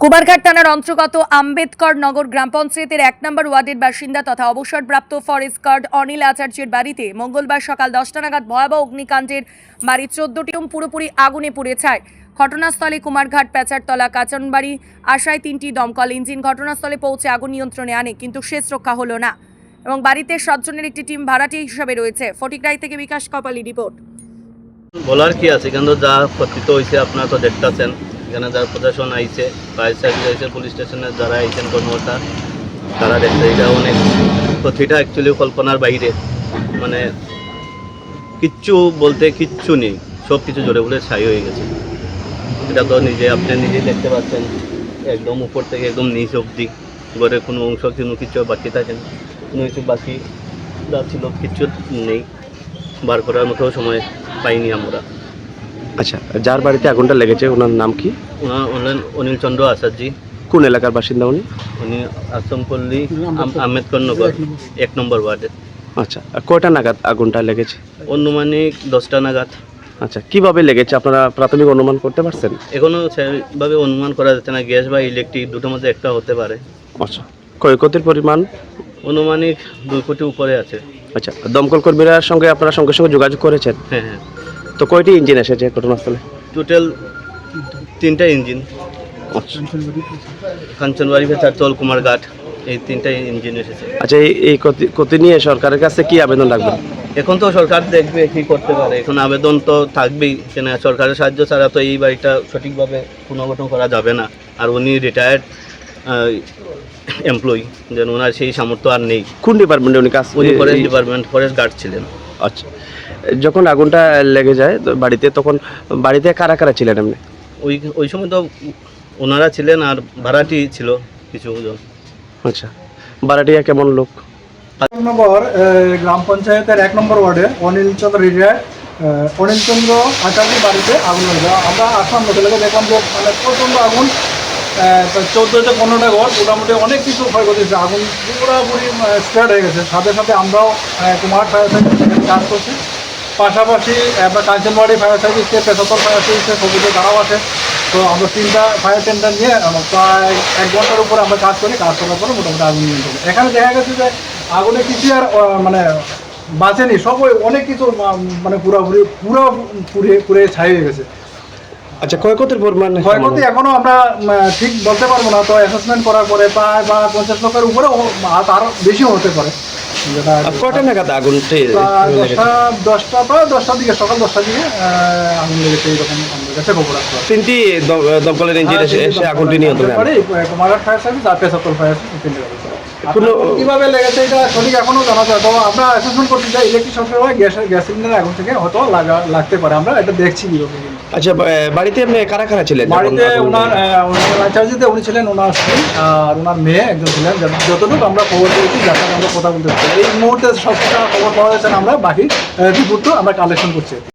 কুমারঘাট থানার অন্তর্গত আম্বেদকর নগর গ্রাম পঞ্চায়েতের ১ নম্বর ওয়ার্ডের বাসিন্দা তথা অবসরপ্রাপ্ত ফরেস্ট গার্ড অনিল আচার্যের বাড়িতে মঙ্গলবার সকাল ১০টা নাগাদ ভয়াবহ অগ্নিকাণ্ডের বাড়ির ১৪টি রুম পুরোপুরি আগুনে পুড়ে ছাই। ঘটনাস্থলে কুমারঘাট পেচারতলা কাচনবাড়ি আশায় ৩টি দমকল ইঞ্জিন ঘটনাস্থলে পৌঁছে আগুন নিয়ন্ত্রণে আনে, কিন্তু শেষ রক্ষা হলো না এবং বাড়িতে ৭ জনের একটি টিম ভাড়াটিয়া হিসাবে রয়েছে। ফটিকরাই থেকে বিকাশ কপালি রিপোর্ট। বলার কি আছে, কিন্তু যা ক্ষতিত হয়েছে আপনারা তো দেখতেছেন। এখানে যারা প্রশাসন আইছে, ফায়ার সার্ভিস আইছে, পুলিশ স্টেশনের যারা আইছেন কর্মকর্তা, তারা দেখছে এটা অনেক ক্ষতিটা অ্যাকচুয়ালি কল্পনার বাইরে। মানে কিচ্ছু বলতে কিচ্ছু নেই, সব কিছু জোরে বলে ছাই হয়ে গেছে। এটা তো আপনি নিজেই দেখতে পাচ্ছেন, একদম উপর থেকে একদম নিচ অবধি ঘরের কোনো অংশ কোনো কিছু বাকি থাকে না, কোনো কিছু বাকি যা ছিল কিচ্ছু নেই, বার করার মতো সময় পাইনি আমরা। আচ্ছা, যার বাড়িতে আগুনটা লেগেছে ওনার নাম কি? ওনার হলেন অনিল চন্দ্র আচার্যি। কোন এলাকার বাসিন্দা উনি? উনি আশ্রমপল্লী আম্বেদকর নগর ১ নম্বর ওয়ার্ডে। আচ্ছা, আর কয়টা নাগাদ আগুনটা লেগেছে? অনুমানিক 10টা নাগাদ। আচ্ছা, কিভাবে লেগেছে আপনারা প্রাথমিক অনুমান করতে পারছেন? এখনও সেভাবে অনুমান করা যাচ্ছে না, গ্যাস বা ইলেকট্রিক দুটোর মধ্যে একটা হতে পারে। আচ্ছা, ক্ষয়ক্ষতির পরিমাণ অনুমানিক 2 কোটি উপরে আছে। আচ্ছা, দমকল কর্মীরার সঙ্গে আপনারা সঙ্গে সঙ্গে যোগাযোগ করেছেন? হ্যাঁ হ্যাঁ, তো কয়টি ইঞ্জিন এসেছে ঘটনাস্থলে? টোটাল 3টা ইঞ্জিন। আচ্ছা, কাঞ্চনবাড়ি পেচারতল কুমারঘাট এই 3টা ইঞ্জিন এসেছে। আচ্ছা, এই ক্ষতি নিয়ে সরকারের কাছে কি আবেদন রাখবেন? এখন তো সরকার দেখবে কি করতে পারে, এখন আবেদন তো থাকবেই, কেন সরকারের সাহায্য ছাড়া তো এই বাড়িটা সঠিকভাবে পুনর্গঠন করা যাবে না। আর উনি রিটায়ার্ড এমপ্লয়ি, যেন ওনার সেই সামর্থ্য আর নেই। কোন ডিপার্টমেন্টে উনি কাজ? উনি ফরেস্ট ডিপার্টমেন্ট ফরেস্ট গার্ড ছিলেন। আচ্ছা, যখন আগুনটা লেগে যায় তো বাড়িতে, তখন বাড়িতে কারা কারা ছিলেন এমনি? ওই সময় তো ওনারা ছিলেন আর ভাড়াটি ছিল কিছুজন। আচ্ছা, ভাড়াটিয়া কেমন লোক? নম্বর গ্রাম পঞ্চায়েতের 1 নম্বর ওয়ার্ডে অনিল চন্দ্র রিটায়ার্ড অনিল চন্দ্র আচার্যের বাড়িতে আগুন হয়ে যায়। আমরা আসলাম হোটেলে, দেখলাম যে মানে প্রচণ্ড আগুন, 14 থেকে 15টা ঘর, মোটামুটি অনেক কিছু ক্ষয়ক্ষতি হয়েছে। আগুন পুরোপুরি স্টার্ট হয়ে গেছে। সাথে সাথে আমরাও কুমার ফায়ার সার্ভিস সেখানে কাজ করছি, পাশাপাশি আমরা কাঞ্চনবাড়ি ফায়ার সার্ভিসে, পেশাতল ফায়ার সার্ভিসে সবুজে তারাও আছে। তো আমরা 3টা ফায়ার টেন্ডার নিয়ে প্রায় 1 ঘন্টার উপরে আমরা কাজ করি। কাজ করার পরে মোটামুটি আগুন নিয়ন্ত্রণ। এখানে দেখা গেছে যে আগুনে কিছু আর মানে বাঁচেনি, সব অনেক কিছু মানে পুরে ছাই হয়ে গেছে। আচ্ছা, ক্ষয়ক্ষতির পরিমাণ? ক্ষয়ক্ষতি এখনো আমরা ঠিক বলতে পারবো না, তো অ্যাসেসমেন্ট করার পরে প্রায় 50 লক্ষের উপরে আরও বেশিও হতে পারে। যেটা কয়টা নাগাদ আগুনটি? 10টার দিকে, সকাল 10টার দিকে আগুন লেগেছে, এইরকম আমাদের কাছে খবর আসলো। 3টি দমকলের ইঞ্জিন এসে আগুনটি নিয়ন্ত্রণে আনে। কুমারঘাট ফায়ার সার্ভিস আর পেশাতল ফায়ার সার্ভিস কিভাবে লেগেছে এটা সঠিক এখনো জানা যায়। তো আমরা অ্যাসেসমেন্ট করতে চাই, ইলেকট্রিক শর্টের হয়, গ্যাস সিলিন্ডার আগুন থেকে হয়তো লাগতে পারে। আমরা এটা দেখছি কিভাবে। আচ্ছা, বাড়িতে এমনি কারা কারা ছিলেন? বাড়িতে ওনার আচার্যতে উনি ছিলেন, ওনার স্ত্রী আর ওনার মেয়ে একজন ছিলেন। যতটুকু আমরা খবর পেয়েছি, যার সাথে আমরা কথা বলতে পারি, এই মুহূর্তে সব খবর পাওয়া যাচ্ছে না, আমরা বাকি রিপোর্ট আমরা কালেকশন করছি।